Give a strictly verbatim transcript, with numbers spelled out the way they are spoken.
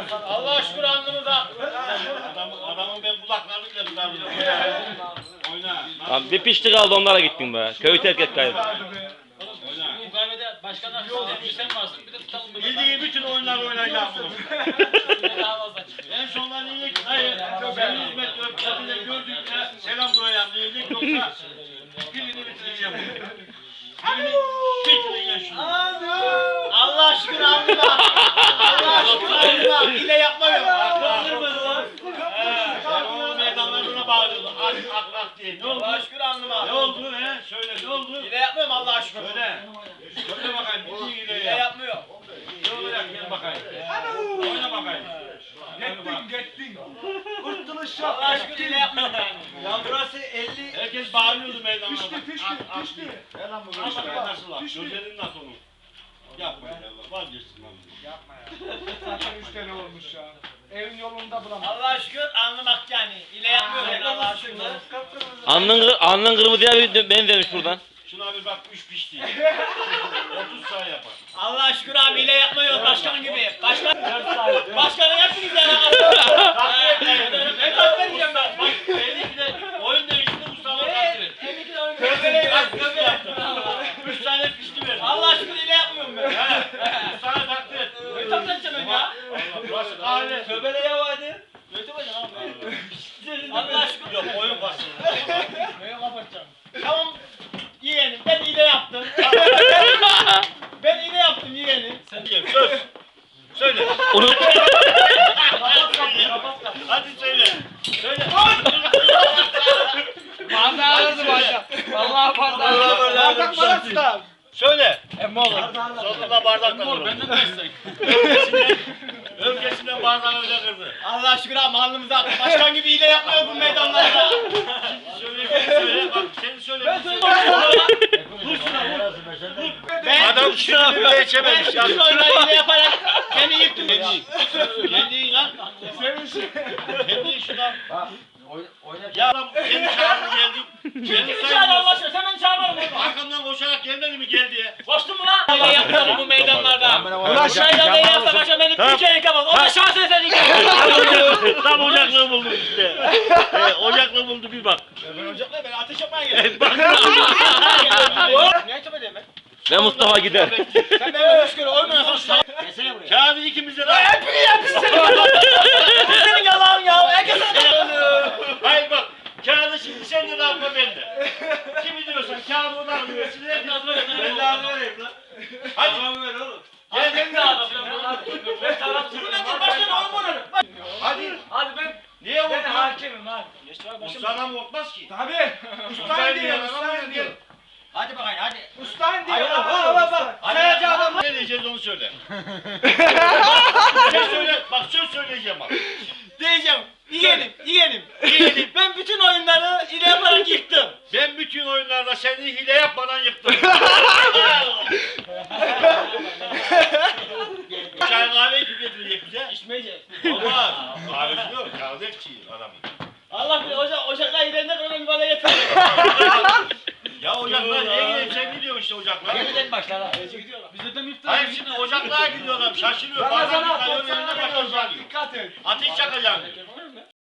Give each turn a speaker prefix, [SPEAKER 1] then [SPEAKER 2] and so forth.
[SPEAKER 1] Allah şükür alnımıza.
[SPEAKER 2] Adamın, adamın ben kulaklarını bile tutarım. Oyna.
[SPEAKER 3] Lan bir pişti kaldı onlara gittin be. Köyü terk et kayıp.
[SPEAKER 1] Bu kahvede başkan arkadaşlar sen varsın bir de tutalım.
[SPEAKER 2] Bildiği bütün oyunlar oynayacağım bunu. En sonunda iyilik, hayır, ben hizmet öpkatıyla gördükçe selam duyacağım. İyilik yoksa pilini bitireceğim. Pilini bitireceğim şunu.
[SPEAKER 1] Allah şükür alnıma. Allah şükür alnıma. Hile yapmıyorum.
[SPEAKER 2] Kaldırmadı lan. Sen o meydanlarına bağırıyordun. Ak ak ak diye. Ne oldu?
[SPEAKER 1] Allah şükür alnıma.
[SPEAKER 2] Ne oldu he? Söyle ne oldu?
[SPEAKER 1] Hile yapmıyorum Allah'a şükür.
[SPEAKER 2] Söyle. Söyle bakayım. Bildiğin
[SPEAKER 1] Hile
[SPEAKER 2] hileyi yap.
[SPEAKER 1] yapmıyorum.
[SPEAKER 2] Ne olacak gel bakayım. Oyna bakayım.
[SPEAKER 4] Gittin gittin. Kurtuluş
[SPEAKER 1] Allah'a
[SPEAKER 4] yok.
[SPEAKER 1] şükür hile yapmıyorum yani.
[SPEAKER 4] Ya burası elli.
[SPEAKER 2] Herkes bağırıyordu meydanlarda.
[SPEAKER 4] Pişti pişti
[SPEAKER 2] Ak ak
[SPEAKER 4] pişti.
[SPEAKER 2] diye.
[SPEAKER 4] Gel lan bu
[SPEAKER 2] Nasıl
[SPEAKER 4] pişti.
[SPEAKER 2] lan? Nasıl lan?
[SPEAKER 4] Pişti.
[SPEAKER 2] Gözlerin nasıl onun? Yapma ya. Vazgeçsin lan.
[SPEAKER 4] Yapma ya. Zaten üç tane olmuş ya. Evin yolunda bulamam.
[SPEAKER 1] Allah'a şükür alnımak yani. Hile yapmıyorum yani Allah'a şükür.
[SPEAKER 3] Alnın, alnın kırmızıya bir benzemiş buradan.
[SPEAKER 2] Şuna bir bak üç pişti. otuz sayı yapar.
[SPEAKER 1] Allah'a şükür abi hile yapmıyor başkan gibi. Başkan. Başkanı yaptınız yani. Ne takdir edeceğim ben?
[SPEAKER 2] Bak belli ki de oyun değişti Mustafa takdir et.
[SPEAKER 1] Köpeğe bak köpeğe.
[SPEAKER 2] üç tane pişti verdi.
[SPEAKER 1] Allah şükür hile yapmıyorum ben.
[SPEAKER 2] He. üç tane takdir et.
[SPEAKER 1] Ne takdir edeceğim ben ya?
[SPEAKER 2] Allah, burası kahve.
[SPEAKER 1] Köpeğe yavadı. Götü bacım abi. Allah şükür.
[SPEAKER 2] Yok oyun bastı.
[SPEAKER 1] Böyle kapatacağım. Tamam yeğenim ben hile yaptım. Ben hile yaptım yeğenim.
[SPEAKER 2] Sen diye söz. Söyle.
[SPEAKER 3] Unut.
[SPEAKER 1] Kapat kapıyı kapat kapıyı.
[SPEAKER 2] Hadi söyle. Söyle.
[SPEAKER 4] Bardağı alırdı bardağı. Vallahi bardağı. Bardak bana tutar.
[SPEAKER 2] Söyle.
[SPEAKER 1] Emmi olur.
[SPEAKER 2] Sonunda bardak da kırdı.
[SPEAKER 1] Benden de istek.
[SPEAKER 2] Öfkesinden, öfkesinden bardağı öyle kırdı.
[SPEAKER 1] Allah şükür abi alnımıza başkan gibi hile yapmıyor bu meydanlarda.
[SPEAKER 2] Söyle, söyle. Bak seni söyle.
[SPEAKER 1] Ben söyleyeyim.
[SPEAKER 2] Vur şuna vur.
[SPEAKER 1] Ben,
[SPEAKER 2] Adam şimdi bile
[SPEAKER 1] ben
[SPEAKER 2] geçememiş ya.
[SPEAKER 1] bütün oyunları hile yaparak seni yıktım.
[SPEAKER 2] Kendi in lan. Kendi in şuradan. Ya lan kendi çağırdı geldi.
[SPEAKER 1] Kim
[SPEAKER 2] Kendi
[SPEAKER 1] kimi çağırdı Allah
[SPEAKER 2] sayılmaz.
[SPEAKER 1] aşkına sen beni çağırmadın mı?
[SPEAKER 2] Arkamdan koşarak gelmedi mi gel diye.
[SPEAKER 1] Koştun mu lan? Hile yapıyorum bu meydanlarda.
[SPEAKER 4] Ulan
[SPEAKER 1] Bu meydanda hile yapsa başka beni bir kere yıkamaz. O da şans eseri yıkamaz.
[SPEAKER 2] Tam ocaklığı bulduk işte. Ee, ocaklığı buldu bir bak.
[SPEAKER 1] Ben ocakla ben ateş yapmaya geldim. Niye çöpe diyeyim ben?
[SPEAKER 3] Ve Mustafa gider.
[SPEAKER 1] Sen benim üç kere oynayasan şu an. Gelsene buraya.
[SPEAKER 2] Kağıdı ikimize de.
[SPEAKER 1] Hepini yapmışsın. Bu senin yalan ya. Herkes
[SPEAKER 2] Hayır bak. Kağıdı şimdi sen de dağıtma bende. Kimi diyorsan kağıdı ona alıyorsun. Ben de adı vereyim lan. Hadi. Tamam ver oğlum.
[SPEAKER 1] Gel ben de adam. Ben tarafçı. Bu nedir başkan oyun oynarım.
[SPEAKER 2] Hadi.
[SPEAKER 1] Hadi ben.
[SPEAKER 2] Niye
[SPEAKER 1] Ben
[SPEAKER 2] korktun?
[SPEAKER 1] hakemim abi. Geçti abi başım.
[SPEAKER 2] Ustadan korkmaz ki.
[SPEAKER 4] Tabii. Ustayın diyor. Ustayın diyor.
[SPEAKER 1] Hadi bakayım hadi.
[SPEAKER 4] Ustayın diyor.
[SPEAKER 1] Hayır,
[SPEAKER 4] Bak
[SPEAKER 1] hayır,
[SPEAKER 4] bak bak.
[SPEAKER 1] Hadi.
[SPEAKER 4] Sayacı adam.
[SPEAKER 2] Ne diyeceğiz onu söyle. Söz söyle. Bak söz söyleyeceğim bak.
[SPEAKER 1] Diyeceğim. Yeğenim, yeğenim.
[SPEAKER 2] Yeğenim.
[SPEAKER 1] Ben bütün oyunları hile yaparak yıktım.
[SPEAKER 2] Ben bütün oyunlarda seni hile yapmadan yıktım. Çay kahve kim getirecek bize?
[SPEAKER 1] İçmeyeceğiz.
[SPEAKER 2] Olmaz. Kahvesi yok. Kahveci adamın.
[SPEAKER 1] Allah bilir ocak, ocaklar gidende kadar bir bana getirdi.
[SPEAKER 2] Ya ocaklar niye gidiyorsun? Sen gidiyorsun işte ocaklara.
[SPEAKER 1] Yeniden başlar ha. Gidiyorlar. Bizde de iftar.
[SPEAKER 2] Hayır şimdi ocaklara gidiyorlar. Şaşırıyor. Bazen bir kalorinin önüne başlar alıyor.
[SPEAKER 4] Dikkat et.
[SPEAKER 2] Ateş çakacağım diyor.